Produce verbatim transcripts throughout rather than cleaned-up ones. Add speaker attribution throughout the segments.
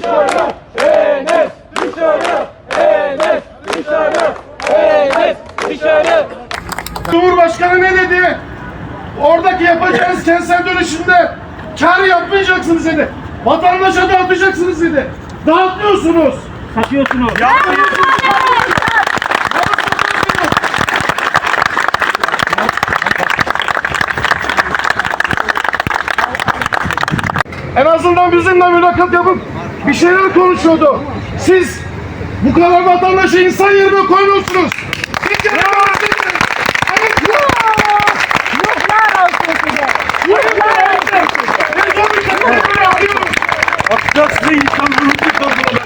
Speaker 1: Dışarı! Enes! Dışarı! Enes! Dışarı! Enes! Dışarı!
Speaker 2: Cumhurbaşkanı ne dedi? Oradaki yapacağınız kentsel dönüşümde kar yapmayacaksınız dedi. Vatandaşa dağıtacaksınız dedi. Dağıtmıyorsunuz.
Speaker 1: Satıyorsunuz.
Speaker 2: En azından bizimle mülakat yapıp bir şeyler konuşuyordu. Siz bu kadar vatandaşı insan yerine koymuyorsunuz. Siz yapamazsınız.
Speaker 3: Yuhlar olsun size. Yuhlar olsun size.
Speaker 1: Atacaksın insanlığını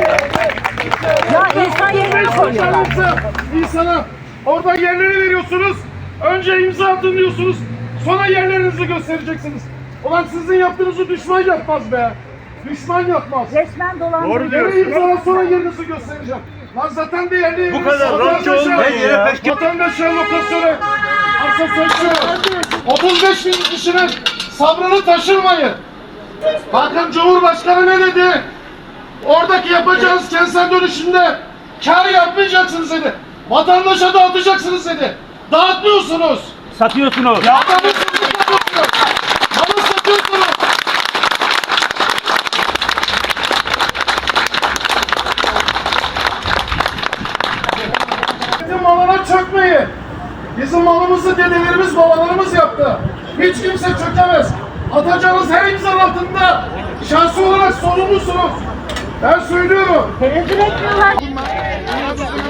Speaker 3: Ya insan yerine koyuyorlar.
Speaker 2: İnsana orada yerleri veriyorsunuz. Önce imza atın diyorsunuz. Sonra yerlerinizi göstereceksiniz. Ulan sizin yaptığınızı düşman yapmaz be. Düşman yapmaz.
Speaker 3: Resmen dolandırıcı.
Speaker 1: Doğru diyor.
Speaker 2: Yere imzala sonra yerinizi göstereceğim. Lan zaten değerli yeriniz.
Speaker 1: Bu kadar rahatça olmayın ya.
Speaker 2: Vatandaşlar lokasyonu. Arsa söküyor. otuz beş bin kişinin sabrını taşırmayın. Bakın Cumhurbaşkanı ne dedi? Oradaki yapacağınız kentsel dönüşümde kar yapmayacaksınız dedi. Vatandaşa dağıtacaksınız dedi. Dağıtmıyorsunuz.
Speaker 1: Satıyorsunuz.
Speaker 2: Adamı satıyorsunuz. Malı satıyorsunuz. Bizim malına çökmeyin. Bizim malımızı dedelerimiz, babalarımız yaptı. Hiç kimse çökemez. Atacağınız her imzanın altında şahsi olarak sorumlusunuz. Ben söylüyorum.
Speaker 3: Tenezzül etmiyorlar.